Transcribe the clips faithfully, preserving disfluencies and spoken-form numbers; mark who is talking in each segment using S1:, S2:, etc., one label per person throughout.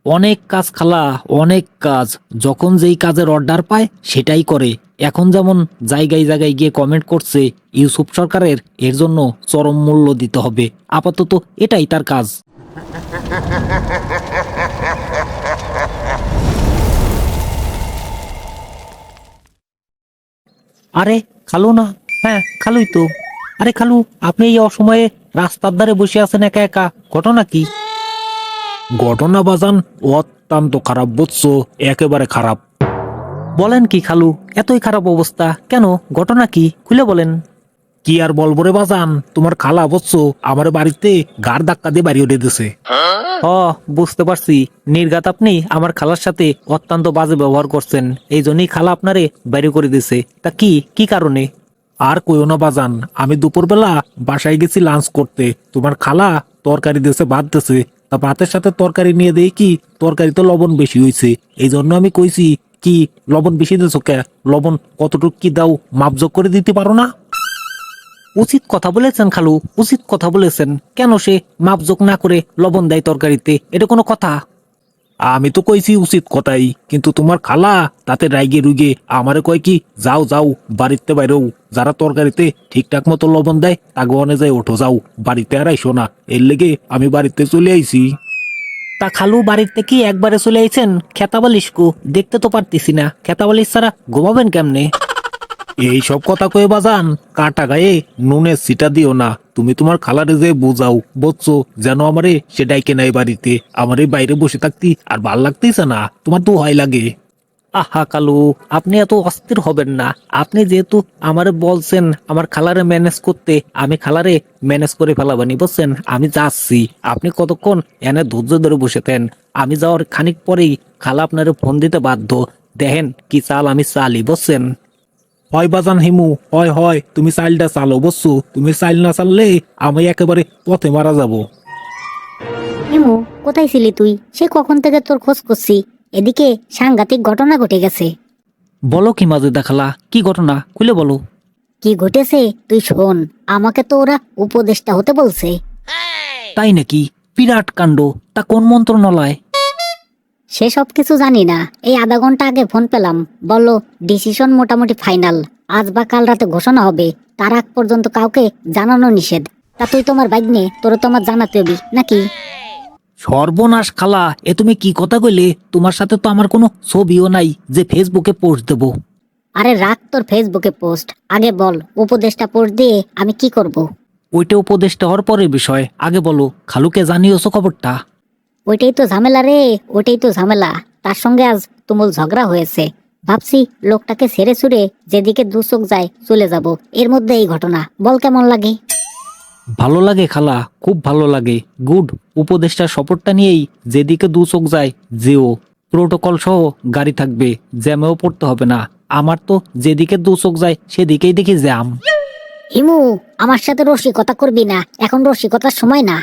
S1: অনেক কাজ খালা, অনেক কাজ। যখন যেই কাজের অর্ডার পায় সেটাই করে। এখন যেমন জায়গায় জায়গায় গিয়ে কমেন্ট করছে ইউসুফ সরকারের, এর জন্য চরম মূল্য দিতে হবে। আপাতত এটাই তার কাজ। আরে খালু না? হ্যাঁ খালুই তো। আরে খালু, আপনি এই অসময়ে রাস্তার ধারে বসে আছেন একা একা, ঘটনা কি? ঘটনা বাজান অত্যন্ত খারাপ, বুঝছো? একেবারে খারাপ। বলেন কি খালু, এতই খারাপ অবস্থা কেন? ঘটনা কি খুলে বলেন। কি আর বলবো রে বাজান, তোমার খালা বুঝছো আমার বাড়িতে গাড় ধাক্কা দিয়ে বাড়ি উঠে দিছে। হ, বুঝতে পারছি। নির্ঘাত আপনি আমার খালার সাথে অত্যন্ত বাজে ব্যবহার করছেন, এই জন্যই খালা আপনারে বাইরে করে দিছে। তা কি কি কারণে? আর কইও না বাজান, আমি দুপুরবেলা বাসায় গেছি লাঞ্চ করতে, তোমার খালা তরকারি দিয়েছে, ভাত দিয়েছে। তা ভাতের সাথে তরকারি নিয়ে দেই কি তরকারিতে লবণ বেশি হয়েছে। এই জন্য আমি কইছি কি লবণ বেশি দিয়েছো কে, লবণ কতটুক কি দাও মাপজোক করে দিতে পারো না? উচিত কথা বলেছেন খালু, উচিত কথা বলেছেন। কেন সে মাপজোক না করে লবণ দেয় তরকারিতে? এটা কোনো কথা? আমি তো কইছি উচিত কথাই, কিন্তু তোমার খালা তাতে রাইগে রুগে আমারে কয় কি যাও যাও বাড়িতে বাইরেও, যারা তরকারিতে ঠিকঠাক মতো লবণ দেয় তাকে অনে যায় ওঠো, যাও বাড়িতে আর আইসো না। এর লেগে আমি বাড়িতে চলে আইছি। তা খালু বাড়িতে কি একবারে চলে আইছেন? খেতাবালিশ কো দেখতে তো পারতেছি না, খেতাবালিশ ছাড়া ঘুমাবেন কেমনে? এই সব কথা কয়ে বাজান, কাটা গায়ে নুনের সিটা দিও না। তুমি তোমার খালারে যে বুঝাও, বুঝছো, যেন আমারে সে ডাইকে নাই বাড়িতে। আমারে বাইরে বসে থাকতি আর ভাল লাগতেছে না, তোমার তো হয় লাগে। আহা কালু, আপনি এত অস্থির হবেন না। আপনি যেহেতু আমারে বলছেন আমার খালারে ম্যানেজ করতে, আমি খালারে ম্যানেজ করে ফেলাবানি, বুঝছেন? আমি যাচ্ছি, আপনি কতক্ষণ এনে ধৈর্য ধরে বসে থাকেন। আমি যাওয়ার খানিক পরেই খালা আপনারে ফোন দিতে বাধ্য। দেখেন কি চাল আমি চালি, বুঝছেন? হয় বাজান হিমু, হয় হয় তুমি চাইলটা চালো, বুঝছো? তুমি চাইল না চাললে আমি একেবারে পথে মারা যাব।
S2: হিমু, কোথায় ছিলি তুই? সে কখন থেকে তোর খোঁজ করছি। এদিকে সাংঘাতিক ঘটনা ঘটে গেছে।
S1: বলো কি মাঝে দেখালা, কি ঘটনা খুলে বলো।
S2: কি ঘটেছে তুই শোন। আমাকে তো ওরা উপদেষ্টা হতে বলছে।
S1: তাই নাকি? বিরাট কাণ্ড। তা কোন মন্ত্রণালয়?
S2: সে সব কিছু জানি না, এই আধা ঘন্টা আগে ফোন পেলাম। বললো ডিসিশন মোটামুটি ফাইনাল, আজ বা কাল রাতে ঘোষণা হবে। তার আগ পর্যন্ত কাউকে জানানো নিষেধ। তা তুই তোমার বাইক নিয়ে তোর তোমার জানাতে হবি নাকি?
S1: সর্বনাশ খালা, এ তুমি কি কথা কইলে? তোমার সাথে তো আমার কোনো ছবিও নাই যে ফেসবুকে পোস্ট দেব।
S2: আরে রাখ তোর ফেসবুকে পোস্ট, আগে বল উপদেষ্টা পোস্ট দিয়ে আমি কি করব।
S1: ওইটা উপদেশটা হওয়ার পরের বিষয়, আগে বলো খালুকে জানিয়েছো খবরটা?
S2: ওইটাই তো ঝামেলা রে, ওইটাই তো ঝামেলা। তার সঙ্গে আজ তুমুল ঝগড়া হয়েছে। ভাবছি লোকটাকে ছেড়ে ছুড়ে যেদিকে দু চোখ যায় চলে যাব। এর মধ্যে এই ঘটনা, বল কেমন লাগে?
S1: ভালো লাগে খালা, খুব ভালো লাগে। গুড। উপদেষ্টার সপোর্টটা নিয়েই যেদিকে দু চোখ যায় যেও। প্রোটোকল সহ গাড়ি থাকবে, জ্যামেও পড়তে হবে না। আমার তো যেদিকে দু চোখ যায় সেদিকেই দেখি জ্যাম।
S2: হিমু, আমার সাথে রসিকতা করবি না, এখন রসিকতার সময় না।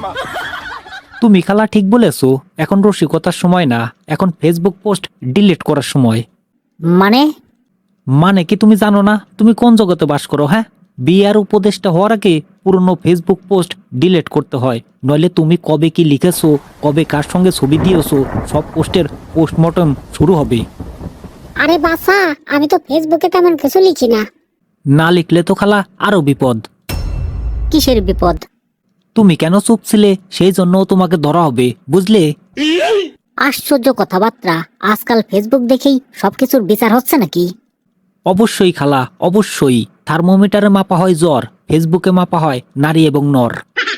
S1: তুমি খালা ঠিক বলেছো, এখন রসিকতার সময় না, এখন ফেসবুক পোস্ট ডিলিট করার সময়।
S2: মানে?
S1: মানে কি তুমি জানো না? তুমি কোন জগতে বাস করো? হ্যাঁ, বিয়ার উপদেশটা হওয়ার আগে পুরনো ফেসবুক পোস্ট ডিলিট করতে হয়, নইলে তুমি কবে কি লিখেছো, কবে কার সঙ্গে ছবি দিয়েছো, সব পোস্টের পোস্টমর্টম শুরু হবে।
S2: আরে বাসা, আমি তো ফেসবুকে তেমন কিছু লিখি না।
S1: না লিখলে তো খালা আরো বিপদ।
S2: কিসের বিপদ?
S1: তুমি কেন চুপ ছিলে সেই জন্য তোমাকে ধরা হবে, বুঝলে?
S2: আশ্চর্য কথাবার্তা, আজকাল ফেসবুক দেখেই সবকিছুর বিচার হচ্ছে নাকি?
S1: অবশ্যই খালা, অবশ্যই। থার্মোমিটারে মাপা হয় জ্বর, ফেসবুকে মাপা হয় নারী এবং নর।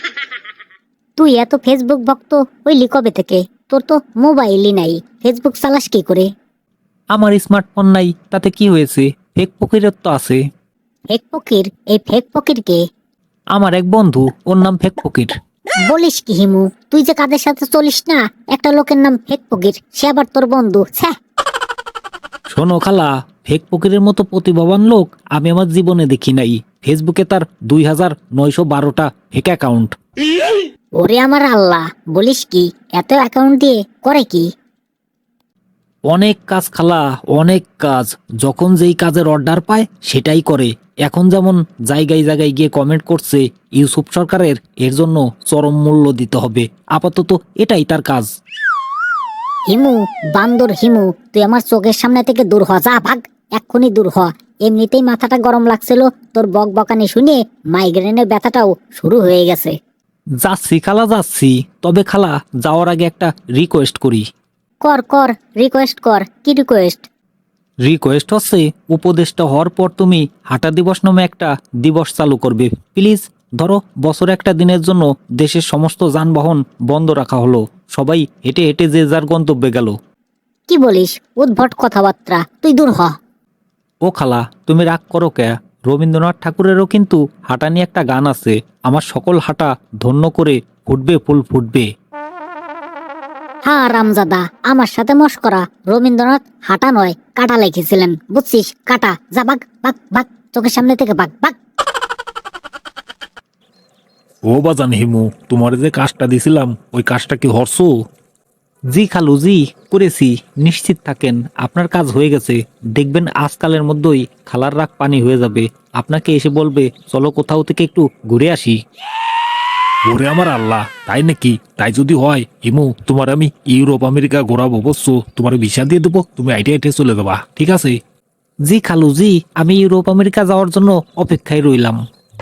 S2: তুই এত ফেসবুক ভক্ত হইলি কবে থেকে? তোর তো মোবাইলই নাই, ফেসবুক চালাস কি করে?
S1: আমার স্মার্টফোন নাই, তাতে কি হয়েছে? ফেক ফকিরের তো আছে।
S2: ফেক ফকির? এই ফেক ফকির কে?
S1: আমার এক বন্ধু, ওর নাম ফেক ফকির।
S2: বলিস কি হিমু, তুই যে কাদের সাথে চলিস না, একটা লোকের নাম ফেক ফকির, সে আবার তোর বন্ধু? ছ্যা।
S1: শোনো খালা, ফেক ফকিরের মতো প্রতিভাবান লোক আমি আমার জীবনে দেখি নাই। ফেসবুকে তার দুই হাজার নয়শো বারোটা ফেক অ্যাকাউন্ট।
S2: ওরে আমার আল্লাহ, বলিস কি? এত অ্যাকাউন্ট দিয়ে করে কি?
S1: অনেক কাজ খালা, অনেক কাজ। যখন যেই কাজের অর্ডার পায় সেটাই করে। এখন যেমন জায়গায় জায়গায় গিয়ে কমেন্ট করছে ইউসুফ সরকারের, এর জন্য চরম মূল্য দিতে হবে। আপাতত এটাই তার কাজ।
S2: হিমু, বান্দর হিমু, তুই আমার চোখের সামনে থেকে দূর হ, যা ভাগ, এক্ষুনি দূর হ। এমনিতেই মাথাটা গরম লাগছিল, তোর বক বকানি শুনে মাইগ্রেনের ব্যথাটাও শুরু হয়ে গেছে।
S1: যাচ্ছি খালা যাচ্ছি, তবে খালা যাওয়ার আগে একটা রিকোয়েস্ট করি।
S2: কর কর, রিকোয়েস্ট কর, কি রিকোয়েস্ট?
S1: রিকোয়েস্ট হচ্ছে উপদেষ্টা হওয়ার পর তুমি হাঁটা দিবস নামে একটা দিবস চালু করবে প্লিজ। ধরো বছর একটা দিনের জন্য দেশের সমস্ত যানবাহন বন্ধ রাখা হলো, সবাই হেঁটে হেঁটে যে যার গন্তব্যে গেল।
S2: কি বলিস, উদ্ভট কথাবার্তা, তুই দূর হ।
S1: ও খালা তুমি রাগ করো কে? রবীন্দ্রনাথ ঠাকুরেরও কিন্তু হাঁটা নিয়ে একটা গান আছে, আমার সকল হাঁটা ধন্য করে ফুটবে ফুল ফুটবে।
S2: হ্যাঁ রামজাদা, আমার সাথে মশকরা। রবীন্দ্রনাথ হাঁটা নয় কাটা লিখেছিলেন, বুঝছিস? কাটা, যা বাগ বাগ বাগ, চোখের সামনে থেকে বাগ বাগ।
S1: ও বাজান হিমু, তোমার যে কাজটা দিছিলাম ওই কাজটা কি হরছো? জি খালু জি, করেছি। নিশ্চিত থাকেন আপনার কাজ হয়ে গেছে। দেখবেন আজকালের মধ্যেই খালার রাগ পানি হয়ে যাবে, আপনাকে এসে বলবে চলো কোথাও থেকে একটু ঘুরে আসি। ওরে আমার আল্লাহ, তাই নাকি? তাই যদি হয় হিমু, তোমার আমি ইউরোপ আমেরিকা ঘোরাবো, বুঝছো? তোমার ভিসা দিয়ে দেবো, তুমি আইটে আইটে চলে যাবা, ঠিক আছে? জি খালু জি, আমি ইউরোপ আমেরিকা যাওয়ার জন্য অপেক্ষায় রইলাম।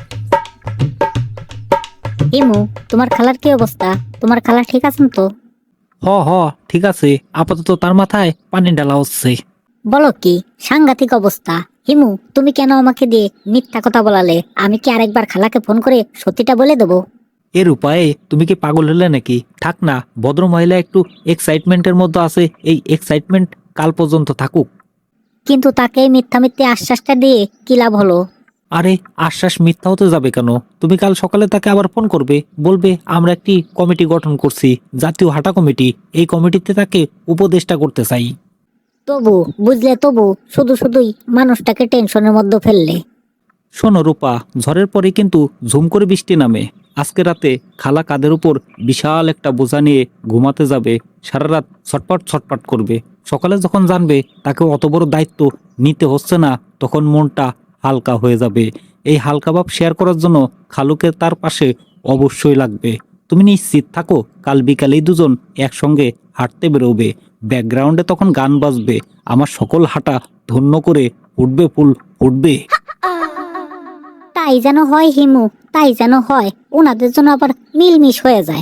S2: হিমু, তোমার খালার কি অবস্থা? তোমার খালা ঠিক আছেন তো?
S1: হ হ ঠিক আছে, আপাতত তার মাথায় পানি ঢালা হচ্ছে।
S2: বলো কি, সাংঘাতিক অবস্থা। হিমু, তুমি কেন আমাকে দিয়ে মিথ্যা কথা বলালে? আমি কি আরেকবার খালাকে ফোন করে সত্যিটা বলে দেবো?
S1: এর উপায়ে তুমি কি পাগল হলে নাকি? থাক না, ভদ্র মহিলা একটু এক্সাইটমেন্টের মধ্যে আছে, এই এক্সাইটমেন্ট কাল পর্যন্ত থাকুক।
S2: কিন্তু তাকে এই মিথ্যা মিথ্যে আশ্বাসটা দিয়ে কি লাভ হলো?
S1: আরে আশ্বাস মিথ্যা হতে যাবে কেন? তুমি কাল সকালে তাকে আবার ফোন করবে, বলবে আমরা একটি কমিটি গঠন করছি, জাতীয় হাঁটা কমিটি, এই কমিটিতে তাকে উপদেষ্টা করতে চাই।
S2: তবু বুঝলে, তবু শুধু শুধুই মানুষটাকে টেনশনের মধ্যে ফেললে।
S1: শোনো রূপা, ঝড়ের পরে কিন্তু ঝুম করে বৃষ্টি নামে। আজকে রাতে খালা কাঁধের উপর বিশাল একটা বোঝা নিয়ে ঘুমাতে যাবে, সারা রাত ছটপট ছটপট করবে। সকালে যখন জানবে তাকে অত বড় দায়িত্ব নিতে হচ্ছে না, তখন মনটা হালকা হয়ে যাবে। এই হালকা ভাব শেয়ার করার জন্য খালুকে তার পাশে অবশ্যই লাগবে। তুমি নিশ্চিত থাকো, কাল বিকালেই দুজন একসঙ্গে হাঁটতে বেরোবে, ব্যাকগ্রাউন্ডে তখন গান বাজবে, আমার সকল হাঁটা ধন্য করে ফুটবে ফুল ফুটবে।
S2: তাই যেন হয় হিমু, তাই যেন হয়, ওনাদের জন্য আবার মিলমিশ হয়ে যায়।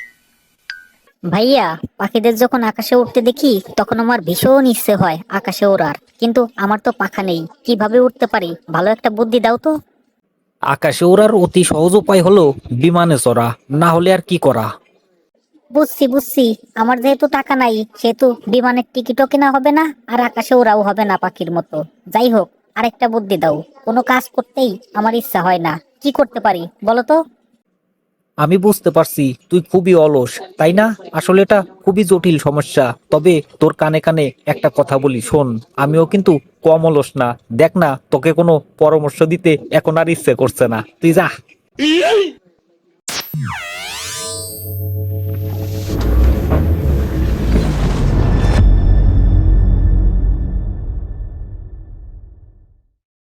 S2: ভাইয়া, পাখিদের যখন আকাশে উঠতে দেখি তখন আমার ভীষণ ইচ্ছে হয় আকাশে ওড়ার, কিন্তু আমার তো পাখা নেই, কিভাবে উঠতে পারি? ভালো একটা বুদ্ধি দাও তো।
S1: আকাশে ওড়ার অতি সহজ উপায় হলো বিমানে চড়া, না হলে আর কি করা।
S2: বুঝছি বুঝছি, আমার যেহেতু টাকা নাই সেহেতু বিমানের টিকিটও কেনা হবে না, আর আকাশে ওড়াও হবে না পাখির মতো। যাই হোক, আরেকটা বুদ্ধি দাও। কোনো কাজ করতেই আমার ইচ্ছা হয় না, কি করতে পারি বলো তো?
S1: আমি বুঝতে পারছি তুই খুবই অলস, তাই না? আসলে এটা খুবই জটিল সমস্যা, তবে তোর কানে কানে একটা কথা বলি শোন, আমিও কিন্তু কম অলস না। দেখ না, তোকে কোনো পরামর্শ দিতে এখন আর ইচ্ছে করছে না, তুই যা।